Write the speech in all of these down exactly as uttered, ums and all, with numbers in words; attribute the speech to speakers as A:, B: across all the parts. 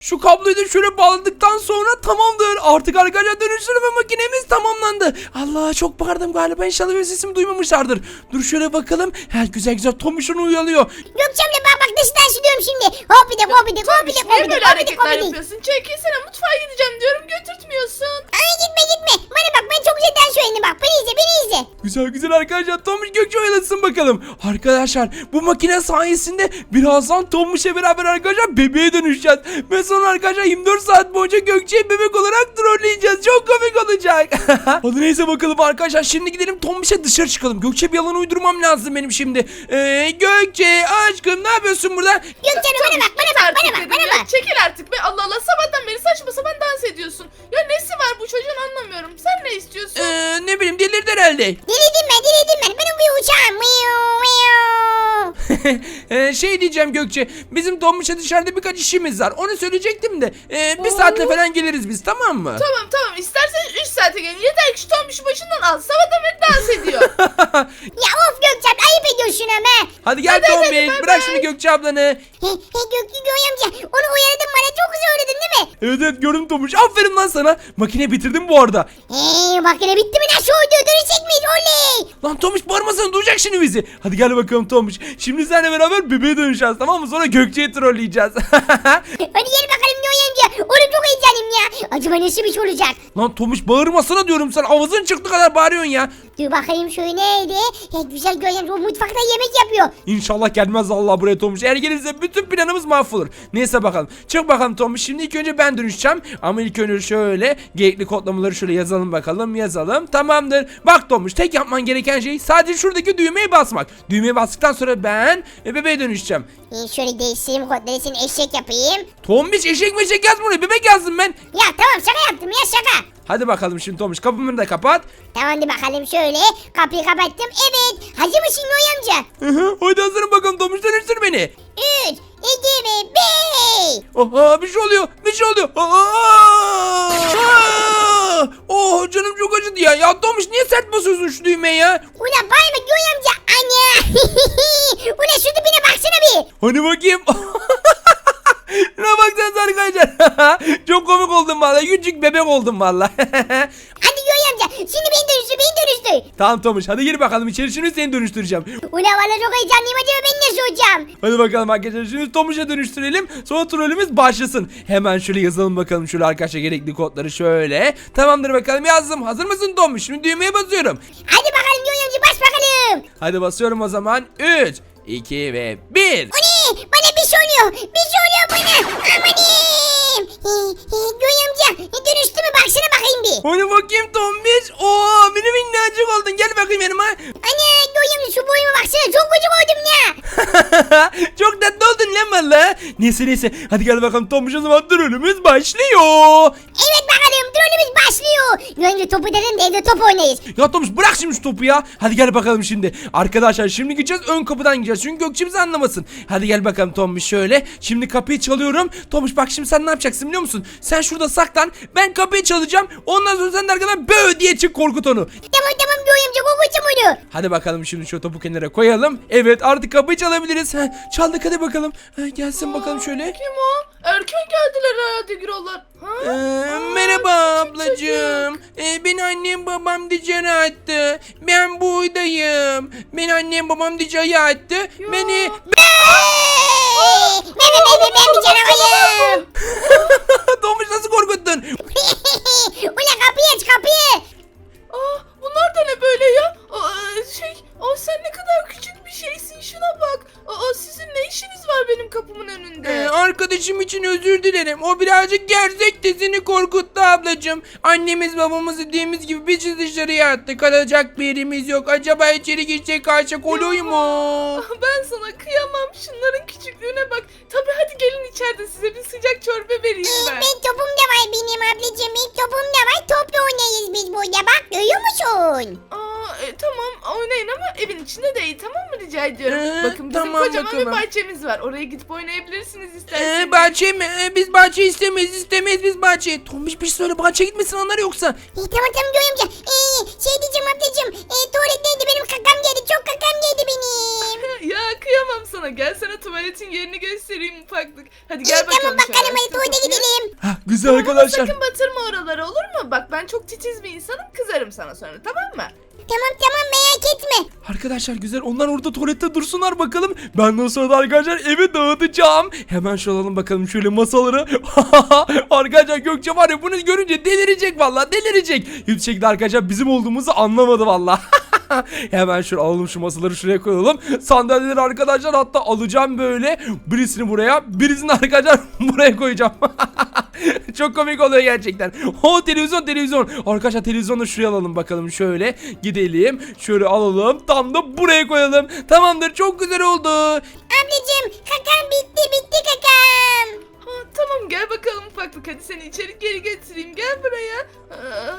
A: Şu kabloyu da şöyle bağladıktan sonra tamamdır. Artık arkadaşlar dönüştürme makinemiz tamamlandı. Allah çok bağırdım galiba. İnşallah benim sesimi duymamışlardır. Dur şöyle bakalım. Ha, güzel güzel Tombiş'in uyuyalıyor.
B: Gökçem'le bak bak dışından sürüyorum şimdi. Hopidik hopidik hopidik
C: Niye
B: hopidik
C: böyle
B: hopidik
C: hareketler
B: hopidik.
C: yapıyorsun? Çekilsene, mutfağa gideceğim diyorum, götürtmüyorsun.
B: Ay gitme gitme. Bana bak ben çok güzel dans öğrendim bak. Beni izle beni izle.
A: Güzel güzel arkadaşlar. Tombiş Gökçe oyalasın bakalım. Arkadaşlar bu makine sayesinde birazdan Tombiş'le beraber arkadaşlar bebeğe dönüşeceğiz. Ve sonra arkadaşlar yirmi dört saat boyunca Gökçe'yi bebek olarak trolleyeceğiz. Çok komik olacak. Hadi neyse bakalım arkadaşlar. Şimdi gidelim Tombiş'e dışarı çıkalım. Gökçe bir yalan uydurmam lazım benim şimdi. Ee, Gökçe aşkım ne yapıyorsun burada?
B: Gökçem'le bana bak bana bak bana bak bana bak.
C: Çekil artık be, Allah Allah, sabahtan beri saçma sapan dans ediyorsun. Ya nesi var bu çocuğun, anlamıyorum. Sen ne istiyorsun?
A: Ee, ne bileyim delirdi herhalde.
B: Diledim ben diledim ben. Benim bir uçağım. Miu, miu.
A: ee, şey diyeceğim Gökçe. Bizim Tombiş'e dışarıda birkaç işimiz var. Onu söyleyecektim de. Ee, bir saatle falan geliriz biz, tamam mı?
C: Tamam tamam, istersen üç saate gelin. Yeter ki şu Tombiş'i başından al. Sabahtan beri dans ediyor.
B: Ya of Gökçem ayıp ediyorsun ama.
A: Hadi gel
C: Hadi, hadi,
A: Tombiş.
C: bay
A: Bırak
C: bay.
A: şimdi Gökçe ablanı.
B: He he Gökçe Göğe amca onu uyardım bana çok güzel öğrettin değil mi?
A: Evet evet gördüm Tombiş. Aferin lan sana. Makine bitirdim bu arada.
B: Heee bak yine bitti mi nasıl oldu dönüşecek miyiz oley.
A: Lan Tombiş bağırmasana, duyacak şimdi bizi. Hadi gel bakalım Tombiş. Şimdi seninle beraber bebeğe dönüşeceğiz, tamam mı? Sonra Gökçe'yi trolleyeceğiz.
B: Hadi gel bakalım Göğe amca. Oğlum çok heyecanlıyım ya. Acaba nasıl bir şey olacak?
A: Lan Tombiş bağırmasana diyorum, sen avazın çıktı kadar bağırıyorsun ya.
B: Dur bakayım şöyle neydi? He, güzel Göğe amca o mutfakta yemek yapıyor.
A: İnşallah gelmez Allah buraya Tombiş. Eğer gelirse bütün planımız mahvolur. Neyse bakalım. Çık bakalım Tombiş. Şimdi ilk önce ben dönüşeceğim. Ama ilk önce şöyle gerekli kodlamaları şöyle yazalım bakalım. Yazalım. Tamamdır. Bak Tombiş, tek yapman gereken şey sadece şuradaki düğmeye basmak. Düğmeye bastıktan sonra ben e, bebeğe dönüşeceğim.
B: Ee, şöyle değiştireyim kodları seni eşek yapayım.
A: Tombiş eşek meşek yazma oraya. Bebek yazdım ben.
B: Ya tamam şaka yaptım ya şaka.
A: Hadi bakalım şimdi Tombiş, kapımı da kapat.
B: Tamam hadi bakalım şöyle kapıyı kapattım. Evet hazır mısın Göğe amca?
A: Hı hı, Hadi hazırım bakalım Tombiş, dönüştür beni.
B: üç, iki ve bir.
A: Aha bir şey oluyor. Bir şey oluyor. Aa! Aa! Oh canım çok acıdı ya. Ya Tombiş niye sert basıyorsun şu düğmeye ya?
B: Ulan bayma Göğe amca. Anne. Ulan şu dibine baksana bir.
A: Hani bakayım. Ne baksanıza arkadaşlar. Çok komik oldum vallahi. Küçük bebek oldum vallahi.
B: Hadi Göğe amca şimdi beni dönüştür beni dönüştür.
A: Tamam Tomuş, hadi gir bakalım içeri, şimdi seni dönüştüreceğim.
B: Ulan valla çok heyecanlıyım acaba ben ne soracağım?
A: Hadi bakalım arkadaşlar, şimdi Tomuş'a dönüştürelim. Sonra trollümüz başlasın. Hemen şöyle yazalım bakalım şöyle arkadaşlar gerekli kodları şöyle. Tamamdır bakalım, yazdım. Hazır mısın Tomuş? Şimdi düğmeye basıyorum.
B: Hadi bakalım Göğe amca bas bakalım.
A: Hadi basıyorum o zaman. üç, iki ve bir.
B: O ne? Bana bir şey oluyor. Bir şey oluyor bana. Amanim. Göğe amca dönüştü mü baksana bakayım bir.
A: Hadi bakayım Tomuş. Oo benim minnacık oldun. Gel bakayım yanıma.
B: Ana Göğe amca şu boyuma baksana çok gıcık oldum ya.
A: Çok tatlı oldun lan valla. Neyse neyse. Hadi gel bakalım Tomuş, o zaman trollümüz başlıyor.
B: Evet bakalım trollümüz başlıyor. Göğe amca topu dedim de evde top oynayız.
A: Ya Tomuş bırak şimdi şu topu ya. Hadi gel bakalım şimdi. Arkadaşlar şimdi gideceğiz, ön kapıdan gideceğiz. Çünkü Gökçe bizi anlamasın. Hadi gel bakalım Tomuş şöyle. Şimdi kapıyı çalıyorum. Tomuş bak şimdi sen ne yapacaksın biliyor musun? Sen şurada saklan. Ben kapıyı çalacağım. Ondan sonra sen de arkadan bö diye çık, korkut onu.
B: Tamam tamam Göğe amca kokucu muydu?
A: Hadi bakalım şimdi şu topu kenara koyalım. Evet artık kapıyı çalabiliriz. Heh, çaldık hadi bakalım. Heh, gelsin bakalım şöyle.
C: Kim o? Erken geldiler herhalde Gürollar. Ha?
A: Ee,
C: Aa,
A: merhaba
C: küçük
A: ablacığım. Ee, beni annem babam dışarı attı. Ben buradayım. Beni annem babam dışarı attı.
C: Ya.
A: Beni...
B: Ben ben ben ben ben bir canavarım.
A: Tomuş nasıl korkuttun?
B: Ulan kapıyı aç kapıyı.
C: Aa, bunlar da ne böyle ya? Aa, şey, aa, sen ne kadar küçük bir şeysin, şuna bak. Aa, sizin ne işiniz var benim kapımın önünde?
A: Ee, arkadaşım için özür dilerim. O birazcık gerzekti, seni korkuttu ablacığım. Annemiz babamız dediğimiz gibi bizi dışarıya attı. Kalacak bir yerimiz yok. Acaba içeri girsek kaçak oluyor mu?
C: Ah, ben sana kıyamam, şunların küçüklüğüne bak. Tabii hadi gelin içeride size bir sıcak çorba vereyim
B: Ee,
C: ben.
B: ben topum da var benim ablacığım. Benim topum da var. Topla oynayız biz burada. Bak görüyor musun?
C: Aa, e, tamam oynayın ama evin içinde değil, tamam mı, rica ediyorum.
A: Ee,
C: Bakın bizim
A: tamam
C: kocaman
A: bakalım.
C: bir bahçemiz var. Oraya gidip oynayabilirsiniz isterseniz.
A: Ee, bahçe mi? Ee, biz bahçe istemeyiz, istemeyiz biz bahçe. Tomuş bir şey söyle, bahçeye gitmesin onlar yoksa.
B: Ee, tamam tamam Göğe amca. Ee, şey diyeceğim ablacığım. Ee, tuvaletteydi benim kakam geldi. Çok kakam geldi benim.
C: Ya kıyamam kıyamam sana. Gel sana tuvaletin yerini göstereyim ufaklık. Hadi
B: İyi
C: gel bakalım.
B: tamam
C: şöyle,
B: bakalım hadi
C: açtım
B: tuvalete
C: kapıyı.
B: gidelim.
A: Hah, güzel
C: Ama
A: arkadaşlar.
C: sakın batırma oraları, olur mu? Bak ben çok titiz bir insanım, kızarım sana sonra, tamam mı?
B: Tamam tamam merak etme.
A: Arkadaşlar güzel, onlar orada tuvalette dursunlar bakalım. Ben de o sırada arkadaşlar evi dağıtacağım. Hemen şu alalım bakalım şöyle masaları. Arkadaşlar Gökçe var ya, bunu görünce delirecek vallahi, delirecek. Hiçbir şekilde arkadaşlar bizim olduğumuzu anlamadı vallahi. Hemen şöyle alalım, şu masaları şuraya koyalım. Sandalyeleri arkadaşlar hatta alacağım böyle. Birisini buraya, birisini arkadaşlar buraya koyacağım. Çok komik oluyor gerçekten. O televizyon televizyon. Arkadaşlar televizyonu da şuraya alalım bakalım şöyle. Gidelim. Şöyle alalım. Tam da buraya koyalım. Tamamdır, çok güzel oldu.
B: Ablacığım kakam bitti bitti kakam.
C: Ha, tamam gel bakalım ufaklık, hadi seni içeri geri getireyim, gel buraya. Aa,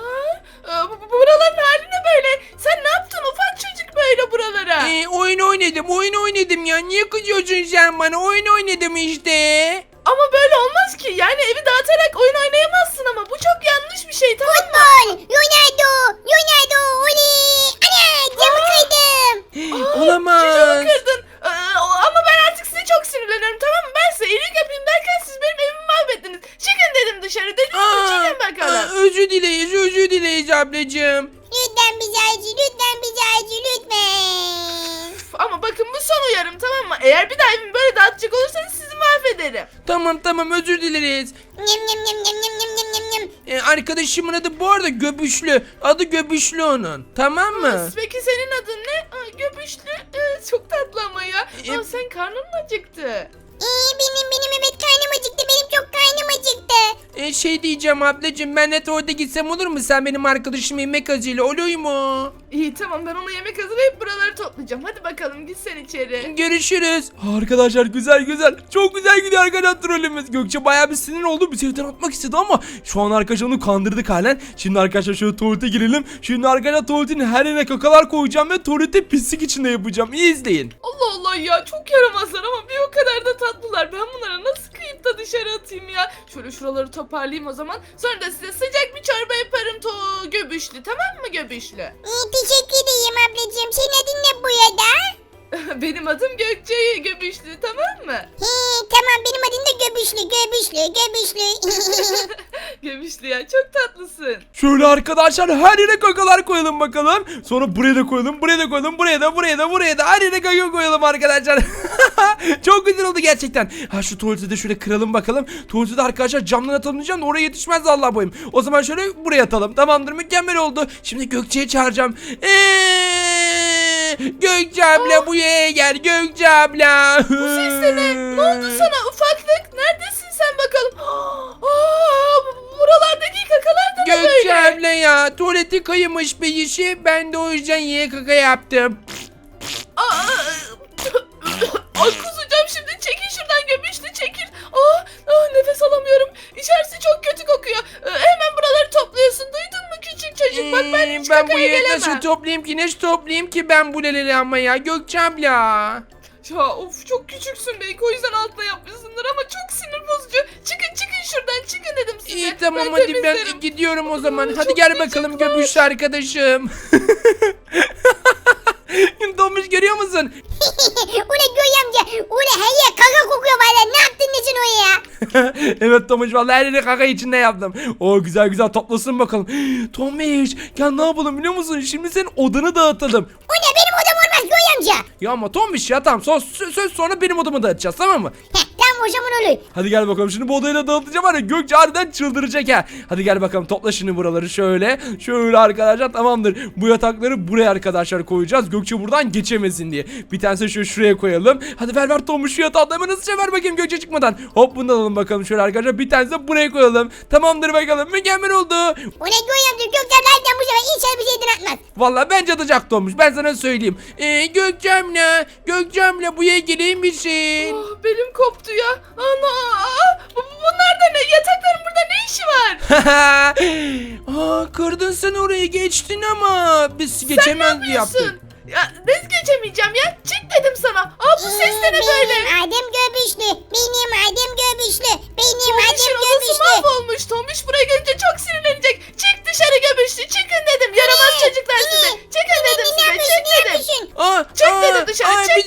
C: aa, bu- bu- buraların hali ne böyle? Sen ne yaptın ufak çocuk böyle buralara?
A: Ee, oyun oynadım oyun oynadım ya. Niye kızıyorsun sen bana? Oyun oynadım işte.
C: Ama böyle olmaz ki, yani evi dağıtarak oyun oynayamazsın, ama bu çok yanlış bir şey, tamam mı?
B: Futbol. Ronaldo. Ronaldo. Oley. Ana camı kırdım.
A: Olamaz.
C: Çocuğumu kırdın. Aa, ama ben artık size çok sinirleniyorum, tamam mı? Ben size iyilik yapayım derken siz benim evimi mahvettiniz. Çıkın dedim dışarı, dedim
A: Aa,
C: çıkın bakalım.
A: aa, özür dileyiz özür dileyiz ablacığım.
B: Lütfen bizi acı lütfen bizi acı lütfen.
C: Üf, ama bakın bu son uyarım, tamam mı? Eğer bir daha evimi böyle dağıtacak olursanız sizi mahvederim.
A: Tamam tamam, özür dileriz.
B: Nyam nyam nyam nyam nyam nyam nyam nyam nyam.
A: Ee, arkadaşımın adı bu arada Göbüşlü. Adı Göbüşlü onun. Tamam mı?
C: Peki senin adın ne? Aa, göbüşlü. Ee, çok tatlı ama ya.
A: E-
C: Aa, sen karnın mı acıktı?
B: Ee, benim benim evet karnım acıktı benim çok karnım acıktı.
A: Ee, şey diyeceğim ablacığım, ben de tuvalete gitsem olur mu? Sen benim arkadaşım yemek acıyla oluyor mu?
C: İyi tamam, ben ona yemek hazırlayıp buraları toplayacağım. Hadi bakalım git sen içeri.
A: Görüşürüz. Arkadaşlar güzel güzel. Çok güzel gidiyor arkadaşlar trollümüz. Gökçe bayağı bir sinir oldu. Bizi evden atmak istedi ama şu an arkadaşlar onu kandırdık halen. Şimdi arkadaşlar şöyle tuvalete girelim. Şimdi arkadaşlar tuvaletin her yerine kakalar koyacağım ve tuvalete pislik içinde yapacağım. İyi izleyin.
C: Allah Allah ya, çok yaramazlar ama bir o kadar da tatlılar. Ben bunlara nasıl kıyıp da dışarı atayım ya? Şöyle şuraları toparlayayım o zaman. Sonra da size sıcak bir çorba yaparım to göbüşlü, tamam mı göbüşlü?
B: Ee, teşekkür ederim ablacığım. Senin adın ne bu ya da?
C: Benim adım Gökçe Göbüşlü, tamam mı?
B: He, tamam benim adım da Göbüşlü Göbüşlü Göbüşlü.
C: Göbüşlü ya, çok tatlısın.
A: Şöyle arkadaşlar her yere kakalar koyalım bakalım. Sonra buraya da koyalım, buraya da koyalım, buraya da, buraya da, buraya da her yere kaka koyalım arkadaşlar. Çok güzel oldu gerçekten. Ha şu tuvaleti de şöyle kıralım bakalım. Tuvaleti de arkadaşlar camdan atalım diyeceğim de oraya yetişmez Allah boyum. O zaman şöyle buraya atalım. Tamamdır, mükemmel oldu. Şimdi Gökçe'yi çağıracağım. Eee, Gökçe abla buraya gel Gökçe abla.
C: Bu ses de ne? Ne oldu sana ufaklık? Neredesin sen bakalım? Aa, bu- buralardaki kakalar da ne
A: Gökçe
C: böyle?
A: abla ya, tuvaleti kaymış bir işi. Ben de o yüzden yiye kaka yaptım.
C: Aa, ay kusacağım şimdi. Çekil şuradan göbüşlü, çekil. Aa, aa, nefes alamıyorum. İçerisi çok kötü kokuyor. Ee, hemen buraları topluyorsun. Duydun mu küçük çocuk? Bak ben
A: Ee,
C: hiç
A: ben bu
C: kakaya
A: yeri
C: gelemem.
A: nasıl toplayayım ki, nasıl toplayayım ki ben bu leleri ama ya Gökçe abla.
C: Ya of, çok küçüksün belki, o yüzden altına yapmışsındır ama çok sinir bozucu. Çıkın çıkın şuradan, çıkın dedim size.
A: İyi tamam
C: Ben
A: hadi
C: temizlerim.
A: ben gidiyorum o zaman.
C: Aa,
A: Hadi
C: çok
A: gel bakalım
C: gıcıklar.
A: göbüşlü arkadaşım. Tomuş görüyor musun?
B: Ula Göy amca. Ula her yer kaka kokuyor valla. Ne yaptın nesin o ya?
A: Evet Tomuş, vallahi her yeri kaka içinde yaptım. O güzel güzel toplasın bakalım. Tomuş gel, ne yapalım biliyor musun? Şimdi senin odanı dağıtalım.
B: Ula benim odam olmaz Göy amca.
A: Ya ama Tomuş ya, tamam söz, söz sonra benim odamı dağıtacağız, tamam mı?
B: Heh, tamam o zaman olur.
A: Hadi gel bakalım, şimdi bu odayı da dağıtacağım var ya, Gökçe harbiden çıldıracak ha. Hadi gel bakalım, topla şimdi buraları şöyle. Şöyle arkadaşlar, tamamdır. Bu yatakları buraya arkadaşlar koyacağız. Gökçe buradan geçemesin diye. Bir tanesi şu şuraya koyalım. Hadi ver ver Tomuş şu yatağı da hemen hızlıca ver bakayım Gökçe çıkmadan. Hop bunu da alalım bakalım şöyle arkadaşlar. Bir tanesi de buraya koyalım. Tamamdır bakalım, mükemmel oldu.
B: Ula Göy amca Gökçenlerden bu sefer inşallah bir şeyden atmaz.
A: Vallahi bence atacak Tomuş, ben sana söyleyeyim. Ee, Gökçemle, Gökçemle buraya gelir misin?
C: Ah, belim koptu ya. Ana, aa, bu- bunlar da ne? Yatakların burada ne işi var?
A: Aa, kırdın sen orayı, geçtin ama biz geçemez diye yaptık.
C: Yapıyorsun. Ya nasıl geçemeyeceğim ya? Çık dedim sana. Aa, bu ses de ne böyle?
B: Benim adım Göbüşlü. Benim adım Göbüşlü. Benim
C: Tombiş'in
B: adım
C: odası
B: Göbüşlü.
C: mahvolmuş. Tombiş buraya gelince çok sinirlenecek. Çık dışarı göbüşlü. Çıkın dedim. Yaramaz çocuklar size. Çıkın dedim
B: Ne
C: size.
B: yapıyorsun
C: Çık
B: ne
C: dedim.
B: yapıyorsun?
A: Aa,
C: Çık
A: aa,
C: dedim dışarı,
A: aa,
C: çık
A: biz
C: dedim
A: evden
C: sana.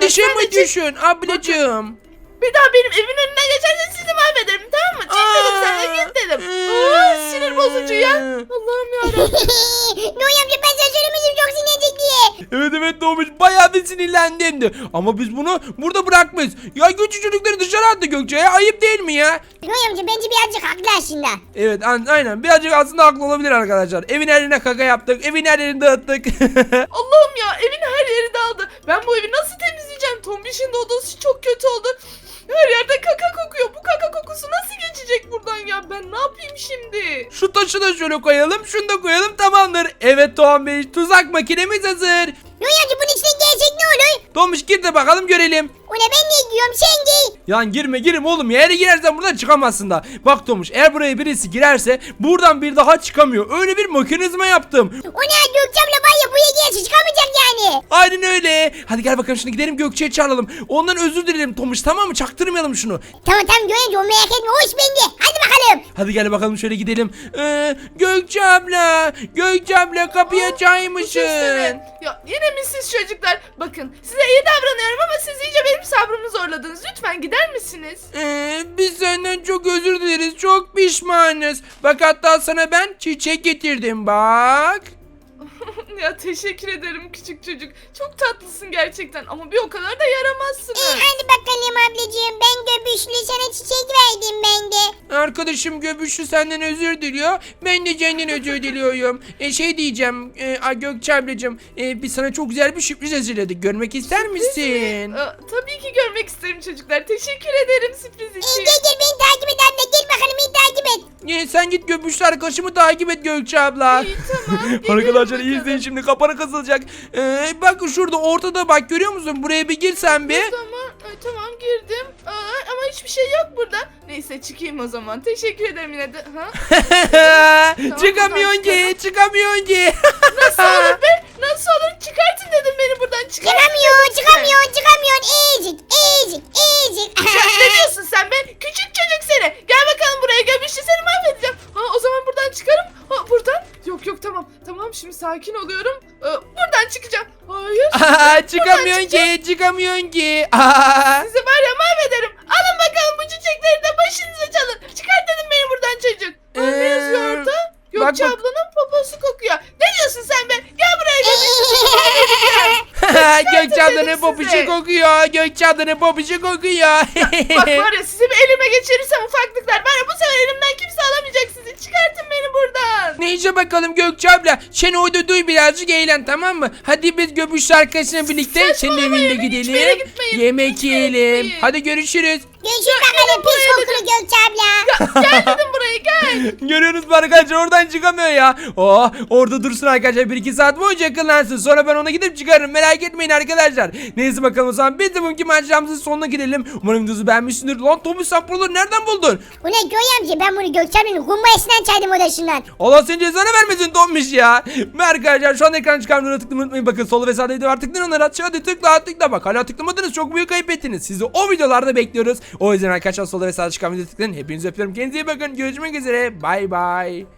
A: Kardeşim mi
C: sadece-
A: düşün ablacığım?
C: Bir daha benim evin önünden geçersen sizi mahvederim, tamam mı? Çık dedim sana, git dedim. Aa, sinir bozucu ya. Allah'ım yarabbim.
B: Noy amca ben sana söylemiştim çok sinirlenecek diye.
A: Evet evet Tomuş bayağı bir sinirlendim. Ama biz bunu burada bırakmayız. Ya küçük çocukları dışarı attı Gökçe'ye, ayıp değil mi ya?
B: Noy amca bence birazcık haklı aslında.
A: Evet an- aynen birazcık aslında haklı olabilir arkadaşlar. Evin her yerine kaka yaptık. Evin her yerini dağıttık.
C: Allah'ım ya, evin her yeri dağıldı. Ben bu evi nasıl temizleyeceğim? Tombiş'in de odası çok kötü oldu. Her yerde kaka kokuyor. Bu kaka kokusu nasıl geçecek buradan ya? Ben ne yapayım şimdi?
A: Şu taşı da şöyle koyalım. Şunu da koyalım, tamamdır. Evet Tomuş, tuzak makinemiz hazır.
B: Noy amca bunun içine gelecek ne olur?
A: Tomuş gir de bakalım görelim.
B: Ona ben ne giyiyorum sen giy.
A: Yan girme girme oğlum ya. Eğer girersen buradan çıkamazsın da. Bak Tomuş, eğer buraya birisi girerse buradan bir daha çıkamıyor. Öyle bir mekanizma yaptım.
B: Ona Gökçem'le var ya buraya gelse çıkamayacak yani.
A: Aynen öyle. Hadi gel bakalım şimdi gidelim Gökçe'ye çağıralım. Ondan özür dilerim Tomuş, tamam mı? Çaktırmayalım şunu.
B: Tamam tamam Noy amca o merak etme o iş bende. Hadi bakalım.
A: Hadi gel bakalım şöyle gidelim. Ee, Gökçe abla. Gökçe abla kapıyı açar
C: Bu
A: mısın?
C: sesleri. Ya yine mi siz çocuklar? Bakın size iyi davranıyorum ama siz iyice benim sabrımı zorladınız. Lütfen gider misiniz?
A: Ee, biz senden çok özür dileriz. Çok pişmanız. Bak hatta sana ben çiçek getirdim bak.
C: Ya teşekkür ederim küçük çocuk. Çok tatlısın gerçekten ama bir o kadar da yaramazsınız.
B: İyi hadi bakalım ablacığım ben göbüşlü sana çiçek verdim ben de.
A: Arkadaşım Göbüşlü senden özür diliyor. Ben de senden özür diliyorum. E, şey diyeceğim. E, a, Gökçe ablacığım. E, biz sana çok güzel bir sürpriz hazırladık. Görmek ister misin?
C: Aa, tabii ki görmek isterim çocuklar. Teşekkür ederim sürpriz
B: İyi
C: için.
B: gel gel beni takip et abla gel bakalım beni takip et.
A: E, sen git Göbüşlü arkadaşımı takip et Gökçe abla.
C: İyi tamam. geliyorum
A: Arkadaşlar iyi
C: bakalım.
A: izleyin şimdi, kapanı kısılacak. Ee, bak şurada ortada bak, görüyor musun? Buraya bir gir sen bir.
C: Tamam, ay, tamam girdim. Aa, ama hiçbir şey yok burada. Neyse çıkayım o zaman. Teşekkür ederim yine de. Ha?
A: Çıkamıyorsun ki, çıkamıyorsun ki.
C: Nasıl olur be? Nasıl olur? Çıkartın dedim beni buradan. Çıkartın
B: Çıkamıyor
C: dedim size.
B: çıkamıyor çıkamıyor ezik ezik ezik.
C: Ya ne diyorsun sen be? Küçük çocuk seni. Gel bakalım buraya, göbüşlü seni mahvedeceğim. Ha o zaman buradan çıkarım. Ha buradan. Yok yok tamam. Tamam şimdi sakin oluyorum. Ee, buradan çıkacağım. Hayır.
A: Çıkamıyorsun ki, çıkamıyorsun ki. Aa.
C: Sizi var ya mahvederim. Alın bakalım bu çiçekleri de başınıza çalın. Çıkart dedim beni buradan çocuk. Ha, ne yazıyor
A: Ee,
C: orada?
A: bak,
C: Gökçe
A: bak.
C: ablanın poposu kokuyor. Ne diyorsun sen be? Gel buraya göbüşlü.
A: Gökçe ablanın
C: dedim
A: popişi
C: size.
A: kokuyor. Gökçe ablanın popişi kokuyor.
C: Bak var ya sizi bir elime geçirirsem ufaklıklar. Var ya bu sefer elimden kimse alamayacak sizi. Çıkartın beni buradan.
A: Neyse bakalım Gökçe abla. Sen orada duy, birazcık eğlen, tamam mı? Hadi biz Göbüşlü arkadaşına birlikte senin
C: Saçmalamayın,
A: evine
C: hiçbir yere
A: gidelim.
C: gitmeyin.
A: Yemek
C: Hiçbir yere
A: yiyelim.
C: gitmeyin.
A: Hadi görüşürüz.
B: Görüşürüz bakalım pis kokulu Gökçe abla.
C: Gel dedim buraya gel.
A: Görüyorsunuz mu arkadaşlar, oradan çıkamıyor ya. Oh, orada dursun arkadaşlar, bir iki saat boyunca yakınlansın. Sonra ben ona gidip çıkarım, merak etmeyin arkadaşlar. Neyse bakalım o zaman biz de bugünkü maceramızın sonuna gidelim. Umarım videomuzu beğenmişsindir. Lan Tommy sen buraları nereden buldun?
B: Bu ne Göy amca ben bunu Gökçe ablanın kumbayasından çaydım odasından.
A: Allah senin cezanı vermesin Tommiş ya. Ve arkadaşlar şu an ekran çıkarmaları tıklamayı unutmayın. Bakın sol ve sağda video var, tıklayın onlara. Hadi tıkla tıkla, bak hala tıklamadınız, çok büyük ayıp ettiniz. Sizi o videolarda bekliyoruz. O yüzden arkadaşlar sol ve sağda çıkan videoyu tıklayın. Hepinizi öpüyorum, kendinize iyi bakın. Görüşmek üzere, bay bay.